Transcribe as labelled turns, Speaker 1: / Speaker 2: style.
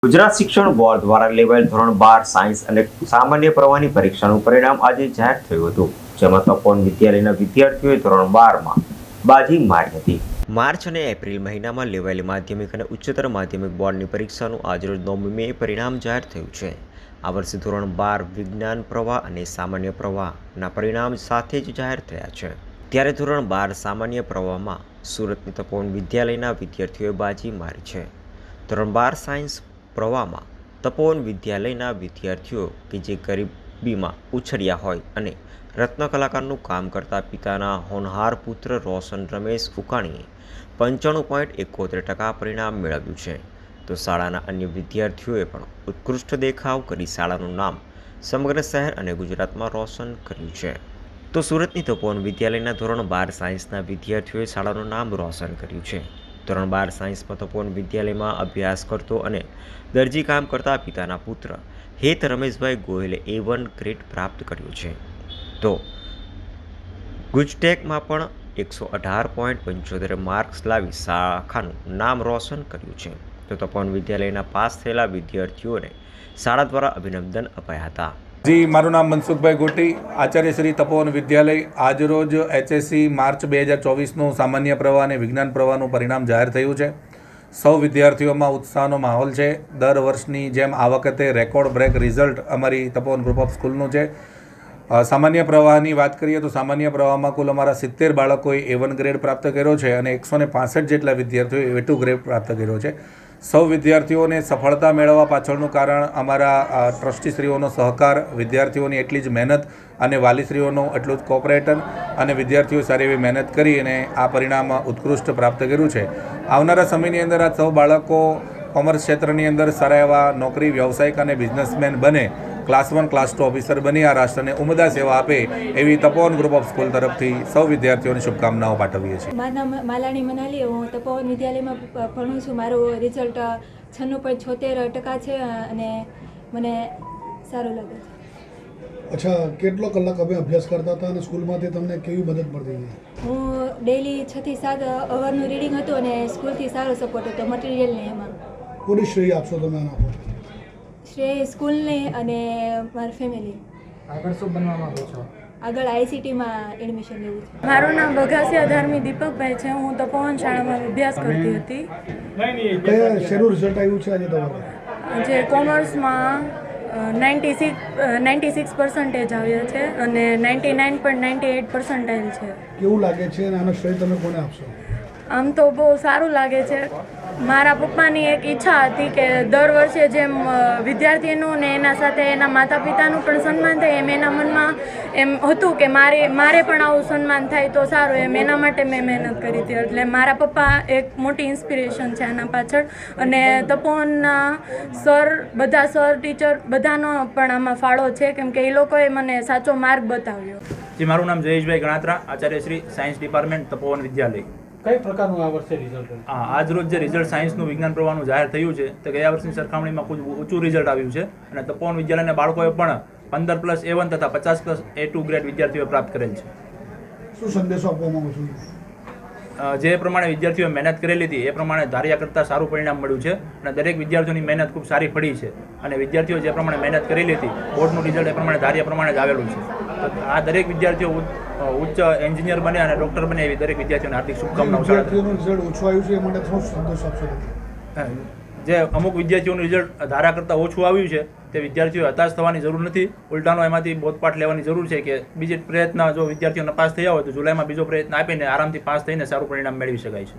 Speaker 1: ગુજરાત શિક્ષણ બોર્ડ દ્વારા લેવાયેલ ધોરણ 12 સાયન્સ અને સામાન્ય પ્રવાહની પરીક્ષાનું પરિણામ આજે જાહેર થયું હતું, જેમાં તપોવન વિદ્યાલયના વિદ્યાર્થીઓએ ધોરણ 12માં બાજી મારી હતી. માર્ચ અને એપ્રિલ મહિનામાં લેવાયેલી માધ્યમિક અને ઉચ્ચતર માધ્યમિક બોર્ડની પરીક્ષાનું આજરોજ 9મી મે પરિણામ જાહેર થયું છે. આ વર્ષે ધોરણ 12 વિજ્ઞાન પ્રવાહ અને સામાન્ય પ્રવાહના પરિણામ સાથે જ જાહેર થયા છે. ત્યારે ધોરણ 12 સામાન્ય પ્રવાહમાં સુરતની તપોવન વિદ્યાલયના વિદ્યાર્થીઓએ બાજી મારી છે. ધોરણ 12 સાયન્સ પ્રવાહમાં તપોવન વિદ્યાલયના વિદ્યાર્થીઓ કે જે ગરીબીમાં ઉછર્યા હોય અને રત્ન કલાકારનું કામ કરતા પિતાના હોનહાર પુત્ર રોશન રમેશ ઉકાણીએ 95.71% પરિણામ મેળવ્યું છે, તો શાળાના અન્ય વિદ્યાર્થીઓએ પણ ઉત્કૃષ્ટ દેખાવ કરી શાળાનું નામ સમગ્ર શહેર અને ગુજરાતમાં રોશન કર્યું છે. તો સુરતની તપોવન વિદ્યાલયના ધોરણ 12 સાયન્સના વિદ્યાર્થીઓએ શાળાનું નામ રોશન કર્યું છે. ધોરણ 12 સાયન્સમાં તપોવન વિદ્યાલયમાં અભ્યાસ કરતો અને દરજી કામ કરતા પિતાના પુત્ર હેત રમેશભાઈ ગોયલે A1 ગ્રેડ પ્રાપ્ત કર્યો છે. તો ગુજટેકમાં પણ 118.75 માર્ક્સ લાવી શાખાનું નામ રોશન કર્યું છે. તો તપોવન વિદ્યાલયના પાસ થયેલા વિદ્યાર્થીઓને શાળા દ્વારા અભિનંદન અપાયા હતા.
Speaker 2: જી, મારું નામ મનસુખભાઈ ગોટી, આચાર્ય શ્રી તપોવન વિદ્યાલય. આજરોજ HSC માર્ચ 2024નું સામાન્ય પ્રવાહ અને વિજ્ઞાન પ્રવાહનું પરિણામ જાહેર થયું છે. સૌ વિદ્યાર્થીઓમાં ઉત્સાહનો માહોલ છે. દર વર્ષની જેમ આ વખતે રેકોર્ડ બ્રેક રિઝલ્ટ અમારી તપોવન ગ્રુપ ઓફ સ્કૂલનું છે. સામાન્ય પ્રવાહની વાત કરીએ તો સામાન્ય પ્રવાહમાં કુલ અમારા 70 બાળકોએ A1 ગ્રેડ પ્રાપ્ત કર્યો છે અને 165 જેટલા વિદ્યાર્થીઓએ A2 ગ્રેડ પ્રાપ્ત કર્યો છે. સૌ વિદ્યાર્થીઓને સફળતા મેળવવા પાછળનું કારણ અમારા ટ્રસ્ટીશ્રીઓનો સહકાર, વિદ્યાર્થીઓની એટલી જ મહેનત અને વાલીશ્રીઓનો એટલું જ કોઓપરેશન અને વિદ્યાર્થીઓ સારી એવી મહેનત કરી અને આ પરિણામ ઉત્કૃષ્ટ પ્રાપ્ત કર્યું છે. આવનારા સમયની અંદર આ સૌ બાળકો કોમર્સ ક્ષેત્રની અંદર સારા એવા નોકરી, વ્યવસાયિક અને બિઝનેસમેન બને, ક્લાસ 1, ક્લાસ 2 ઓફિસર બની આ રાષ્ટ્રને ઉમદા સેવા આપે એવી તપોવન ગ્રુપ ઓફ સ્કૂલ તરફથી સૌ વિદ્યાર્થીઓને શુભકામનાઓ પાઠવીએ છીએ.
Speaker 3: મારું નામ માલાણી મનાલી, હું તપોવન વિદ્યાલયમાં ભણું છું. મારું રિઝલ્ટ 96.76% છે અને મને સારું લાગે છે.
Speaker 4: અચ્છા, કેટલો કલાક અમે અભ્યાસ કરતા હતા અને સ્કૂલમાંથી તમને કેવી મદદ મળતી હતી?
Speaker 3: હું ડેઈલી 6 થી 7 અવરનું રીડિંગ હતું અને સ્કૂલથી સારો સપોર્ટ હતો મટીરિયલને. એમાં
Speaker 4: કોની શ્રેય આપશો તમે આના પર?
Speaker 3: શ્રેય સ્કૂલને અને મારી ફેમિલી.
Speaker 5: આગળ શું બનવા માંગો છો?
Speaker 3: આગળ ICTમાં એડમિશન લેવું છે.
Speaker 6: મારું નામ બઘાસિયા ધાર્મી દીપકભાઈ છે. હું તપોવન શાળામાં અભ્યાસ કરતી હતી.
Speaker 4: કયા શેનું રિઝલ્ટ આવ્યું છે આજે તમારે?
Speaker 6: જે કોમર્સમાં 96% આવ્યા છે અને 99.98% છે.
Speaker 4: કેવું લાગે છે અને આનો શ્રેય તમે કોને આપશો?
Speaker 6: આમ તો બહુ સારું લાગે છે. મારા પપ્પાની એક ઈચ્છા હતી કે દર વર્ષે જેમ વિદ્યાર્થીનું ને એના સાથે એના માતા પિતાનું પણ સન્માન થાય, એમ એના મનમાં એમ હતું કે મારે પણ આવું સન્માન થાય તો સારું. એમ એના માટે મેં મહેનત કરી હતી. એટલે મારા પપ્પા એક મોટી ઇન્સ્પિરેશન છે આના પાછળ. અને તપોવનના બધા સર ટીચર બધાનો પણ આમાં ફાળો છે, કેમ કે એ લોકોએ મને સાચો માર્ગ બતાવ્યો.
Speaker 5: જી, મારું નામ જયેશભાઈ ગણાત્રા, આચાર્ય શ્રી સાયન્સ ડિપાર્ટમેન્ટ તપોવન વિદ્યાલય.
Speaker 7: કઈ પ્રકારનું આ વર્ષે રિઝલ્ટ?
Speaker 5: આજ રોજ જે રિઝલ્ટ સાયન્સનું વિજ્ઞાન પ્રવાહનું જાહેર થયું છે તે ગયા વર્ષની સરખામણીમાં ખૂબ ઊંચું રિઝલ્ટ આવ્યું છે અને તપોવન વિદ્યાલયના બાળકોએ પણ 15+ A1 તથા 50+ A2 ગ્રેડ વિદ્યાર્થીઓએ પ્રાપ્ત કરેલ છે.
Speaker 4: શું સંદેશો આપવા માંગો છો?
Speaker 5: જે પ્રમાણે વિદ્યાર્થીઓએ મહેનત કરેલી હતી એ પ્રમાણે ધાર્યા કરતાં સારું પરિણામ મળ્યું છે અને દરેક વિદ્યાર્થીઓની મહેનત ખૂબ સારી પડી છે અને વિદ્યાર્થીઓ જે પ્રમાણે મહેનત કરેલી હતી બોર્ડનું રિઝલ્ટ એ પ્રમાણે ધાર્યા પ્રમાણે જ આવેલું છે. તો આ દરેક વિદ્યાર્થીઓ ઉચ્ચ એન્જિનિયર બને અને ડૉક્ટર બને એવી દરેક વિદ્યાર્થીઓને હાર્દિક શુભકામનાઓ.
Speaker 4: વિદ્યાર્થીઓનું રિઝલ્ટ ઓછું આવ્યું છે એ માટે શું સંદેશો આપશો?
Speaker 5: જે અમુક વિદ્યાર્થીઓનું રિઝલ્ટ ધારા કરતાં ઓછું આવ્યું છે તે વિદ્યાર્થીઓ હતાશ થવાની જરૂર નથી. ઉલટાનો એમાંથી બોધપાઠ લેવાની જરૂર છે કે બીજી પ્રયત્ન જો વિદ્યાર્થીઓ પાસ થયા હોય તો જુલાઈમાં બીજો પ્રયત્ન આપીને આરામથી પાસ થઈને સારું પરિણામ મેળવી શકાય છે.